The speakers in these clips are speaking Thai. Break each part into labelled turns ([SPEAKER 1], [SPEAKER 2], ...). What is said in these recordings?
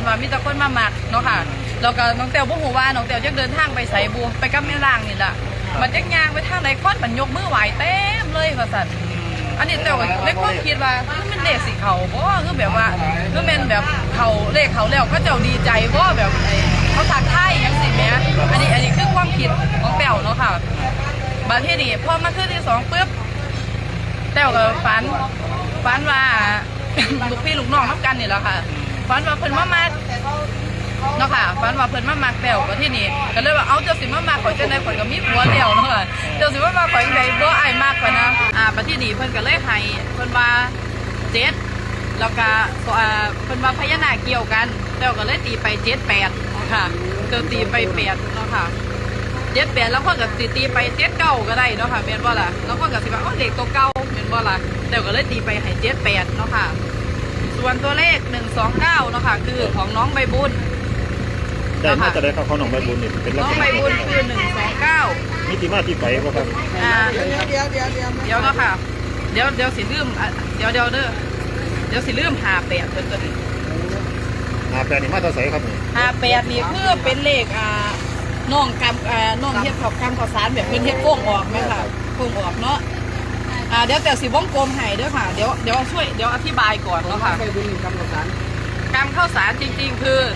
[SPEAKER 1] ว่ามีแต่คนมาหมักเนาะค่ะแล้วก็น้องเตียวบ่ฮู้ว่าน้องเตียวจะเดินทางไปไสบูไปกับแม่ล่างนี่ล่ะมันจักย่างไปทางไหนคนมันยกมือไหวเต็มเลยว่าซั่นอันนี้เตียวเลยก็คิดว่ามันเลขสิเขาบ่คือแบบว่าคือแม่นแบบเขาเลขเขาแล้วก็เจ้าดีใจบ่แบบเขาทักทายจังซี่แหมอันนี้คือความคิดของเตียวเนาะค่ะบัดทีนี้พอมาคืนที่2ปึ๊บเตียวก็ฝันว่าลูกพี่ลูกน้องทำกันนี่แหละค่ะฝันว่าเพิ่นมามักเนาะค่ะฝันว่าเพิ่นมามักแต้วก็ที่นี่ก็เลยว่าเอาเจ้าสิมามักข่อยจังได๋ข่อยก็มีผัวแล้วเนาะค่ะเจ้าสิมามักข่อยจังได๋บ่อ้ายมักข่อยนะบัดที่นี่เพิ่นก็เลยให้เพิ่นว่า7แล้วก็เพิ่นว่าพญานาคเกี่ยวกันแต้วก็เลยตีไป78เนาะค่ะเจ้าตีไป8เนาะค่ะ78แล้วเพิ่นก็สิตีไป79ก็ได้เนาะค่ะแม่นบ่ล่ะแล้วเพิ่นก็สิว่าเลขตัวเก่าแม่นบ่ล่ะแต้วก็เลยตีไปให้78เนาะค่ะส่วนตัวเลข129เนาะค่ะคือของน้องใบบุญ
[SPEAKER 2] ได้มาจะได้เข้าน้องใบบุญนี่เป็น
[SPEAKER 1] น้องใบบุญคือ129
[SPEAKER 2] มีที่มาที่ไปบ่ครับ
[SPEAKER 1] เดี๋ยวเนาะค่ะเดี๋ยวสิลืมเดี๋ยวเด้อเดี๋ยวสิลืม58เพิ่นตัวนี้
[SPEAKER 2] 58นี่มาตัวไสครับนี่
[SPEAKER 1] 58นี่คือเป็นเลขน้องน้องเฮ็ดข้าวข้าวสารแบบเพิ่นเฮ็ดโป่งออกแม่ค่ะโป่งออกเนาะเดี๋ยวแต่สิวงกลมให้เด้อค่ะเดี๋ยวช่วยเดี๋ยวอธิบายก่อนเนาะค่ะกำข้าวสารจริงๆคือ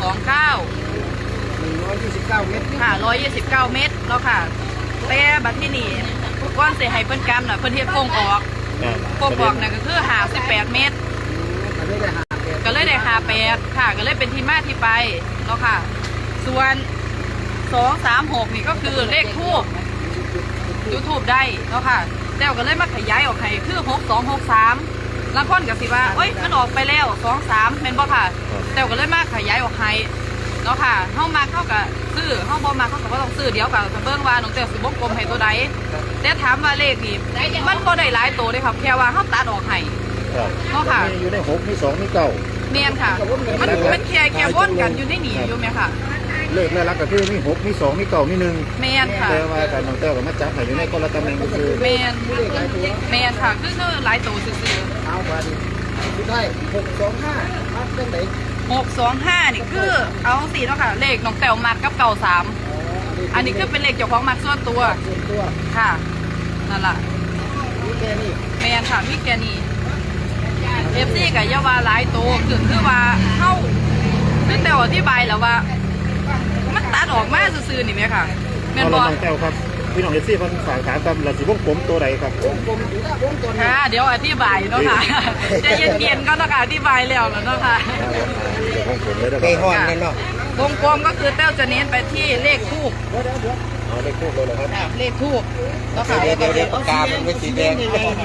[SPEAKER 1] 129เมตรค่ะ129เมตรเนาะค่ะแต่บัดที่นี่ก้อนเสียให้เพิ่นกำน่ะเพิ่นเฮ็ดโป่งออกโป่งออกน่ะก็คือ58เมตรก็เลยได้58ค่ะก็เลยเป็นที่มาที่ไปเนาะค่ะส่วน236นี่ก็คือเลขทูปYouTube ได้เนาะค่ะแต้วก็เลยมาขยายออกให้คือ6263แล้วคนก็สิว่าเอ้ยมันออกไปแล้ว23แม่นบ่ค่ะแต้วก็เลยมาขยายออกให้เนาะค่ะเฮามาเข้ากับซื้อเฮาบ่มาเข้ากับบ่ต้องซื้อเดี๋ยวก็เบิ่งว่าน้องแต้วสิวงกลมให้ตัวใดแต่ถามว่าเลขนี่มันบ่ได้หลายตัวเด้ครับแค่ว่าเฮาตัดออกให้เนาะค่ะ
[SPEAKER 2] อยู่ใน6มี2มี9
[SPEAKER 1] แม่นค่ะมันแค่วนกันอยู่ในนี่อยู่แม่ค่ะ
[SPEAKER 2] เลขแล้วก็คือมี6มี2มี9มี1
[SPEAKER 1] แม่นค่ะ
[SPEAKER 2] แต่ว่าการน้องแต้วก็มาจับให้อยู่ในคนละตำแหน่งก็คือ
[SPEAKER 1] แม่นค่ะคือหลายตัวซื่อๆ
[SPEAKER 3] เอาไปสุดท้าย625มาเป็นไหน
[SPEAKER 1] 625นี่คือเอา4เนาะค่ะเลขน้องแต้วมักกับ93อันนี้คือเป็นเลขเจ้าของมักส่วนตัวค่ะนั่นล่ะ
[SPEAKER 3] มีแค่นี้
[SPEAKER 1] แม่นค่ะมีแค่นี้ FC ก็อย่าว่าหลายตัวคือว่าเฮาคือแต้วอธิบายแล้วว่ามันตัดออกมาซื่อๆนี่แม่ค่ะแม่นบ่
[SPEAKER 2] น้องแต้วครับพี่น้องเอฟซีเพิ่นฝากถามครับเราสิวงกลมตัวใดครับ
[SPEAKER 3] วงกลมอยู่นะวงกลม
[SPEAKER 1] ค่ะเดี๋ยวอธิบายเนาะค่ะใจเย็นๆก็ต้องอธิบายแล้วเนาะค่ะ
[SPEAKER 2] วงกลมเลยเด้อ
[SPEAKER 3] ไปฮ้อนเลยเนาะ
[SPEAKER 1] วงกลมก็คือแต้วจะเน้นไปที่เลขทูป
[SPEAKER 2] เลขทูปเลยเหรอครับ
[SPEAKER 1] เลขทูปแล้วค่ะ
[SPEAKER 3] เดี๋ยวปากกาเป็นสีแดง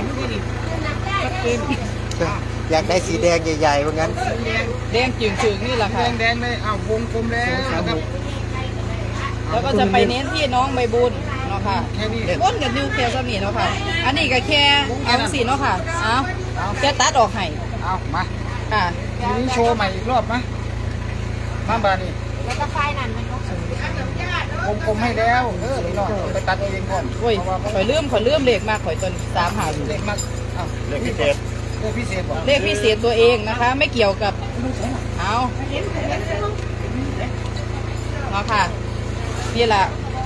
[SPEAKER 3] อยากได้สีแดงใหญ่ๆว่างั้น
[SPEAKER 1] แดงจึงๆนี่แหละค่ะ
[SPEAKER 3] แดงเลยอ้าววงกลมแล้วครับ
[SPEAKER 1] แล้วก็จะไปเน้นที่น้องใบบุญเนาะค่ะวนกับนิวเคลียร์สมีเนาะค่ะอันนี้ก็แค่เอาสีเนาะค่ะเอาแค่ตัดออกให้
[SPEAKER 3] เอามา
[SPEAKER 1] ค่ะ
[SPEAKER 3] ทีนี้โชว์ใหม่อีกรอบมาบานี่
[SPEAKER 1] แล้วก็ไฟนั่นมัน
[SPEAKER 3] วงกลมให้แล้วนี่เนาะไปตัดเองก่อน
[SPEAKER 1] โอ้ยข่อยเลื่อมเลขมากข่อยจน3
[SPEAKER 3] เลขมาก
[SPEAKER 2] เลขพิเศษ
[SPEAKER 1] เลขพิเศษตัวเองนะคะไม่เกี่ยวกับเอาเนาะค่ะนี่แหละ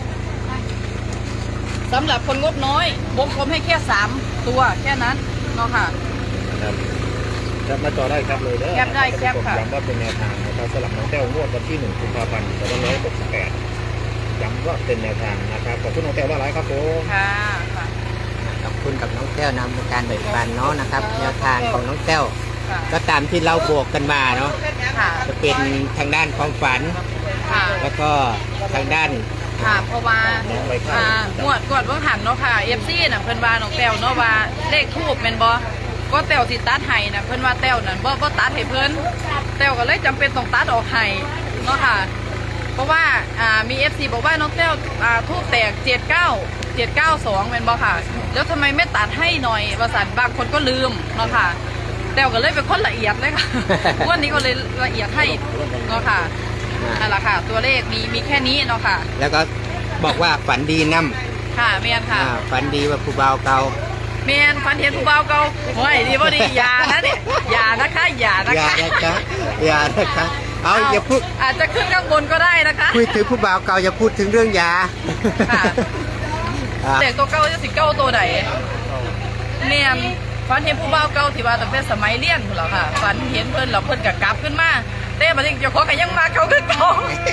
[SPEAKER 1] สำหรับคนงบน้อยวงกลมให้แค่3ตัวแค่นั้นเนาะค่ะ
[SPEAKER 2] แคปมาจอได้ครับเลยเด้อ
[SPEAKER 1] แคปได้แคปค่ะ
[SPEAKER 2] ย้ำว่าเป็นแนวทางนะครับสำหรับน้องแต้วงวดวันที่1 กุมภาพันธ์ 2568ย้ำว่าเป็นแนวทางนะครับขอบคุณน้องแต้วหลายครับผม
[SPEAKER 1] ค่ะ
[SPEAKER 3] ขอบคุณกับน้องแต้วนำการแบ่งปันเนาะนะครับแนวทางของน้องแต้วก็ตามที่เราบวกกันมาเนาะจะเป็นทางด้านความฝันแล้วก็ทางด้าน
[SPEAKER 1] ค่ะเพราะว่างวดเพิ่งหันเนาะค่ะ FC น่ะเพิ่นว่าน้องแต้วเนาะว่าเลขทูปแม่นบ่ก็แต้วสิตัดให้น่ะเพิ่นว่าแต้วนั่นบ่ตัดให้เพิ่นแต้วก็เลยจำเป็นต้องตัดออกให้เนาะค่ะเพราะว่ามี FC บอกว่าน้องแต้วทูปแตก792แม่นบ่ค่ะแล้วทำไมไม่ตัดให้หน่อยว่าซั่นบางคนก็ลืมเนาะค่ะแต้วก็เลยเป็นคนละเอียดเลยค่ะวันนี้ก็เลยละเอียดให้เนาะค่ะนั่นแหละค่ะตัวเลขมีแค่นี้เนาะค่ะ
[SPEAKER 3] แล้วก็บอกว่าฝันดีน
[SPEAKER 1] ำค่ะเมียนค่ะ
[SPEAKER 3] ฝันดีว่าผู้บ่าวเก่า
[SPEAKER 1] เมียนฝันเห็นผู้บ่าวเก่าโอ้ยดีบ่ดีอย่านะเนี่ยอย่านะคะ
[SPEAKER 3] อย่านะคะเอาอย่าพูด
[SPEAKER 1] อาจจะขึ้นข้างบนก็ได้นะคะ
[SPEAKER 3] คุยถึงผู้บ่าวเก่าอย่าพูดถึงเรื่องยา
[SPEAKER 1] ค่ะ
[SPEAKER 3] อ่ะ
[SPEAKER 1] เด็กตัวเก่าจะสิเก้าตัวใดเนียนฝันเห็นผู้บ่าวเก่าที่ว่าตั้งแต่สมัยเรียนพุ่นแล้วค่ะฝันเห็นเพิ่นแล้วเพิ่นก็กลับขึ้นมาแต่บัดนี้เจ้าของก็ยังมาเขาคือเก่า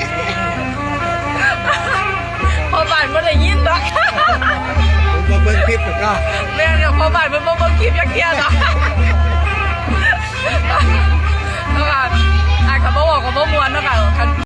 [SPEAKER 1] พอบ้านบ่ได้ยินดอก
[SPEAKER 3] ผมมาเบิ่งคลิปก็
[SPEAKER 1] แม่เดี๋ยวพอบ้านมันบ่เบิ่งคลิปจักเที่ยดอกแล้วก็อาจก็บ่บอกก็บ่ม่วนเนาะค่ะ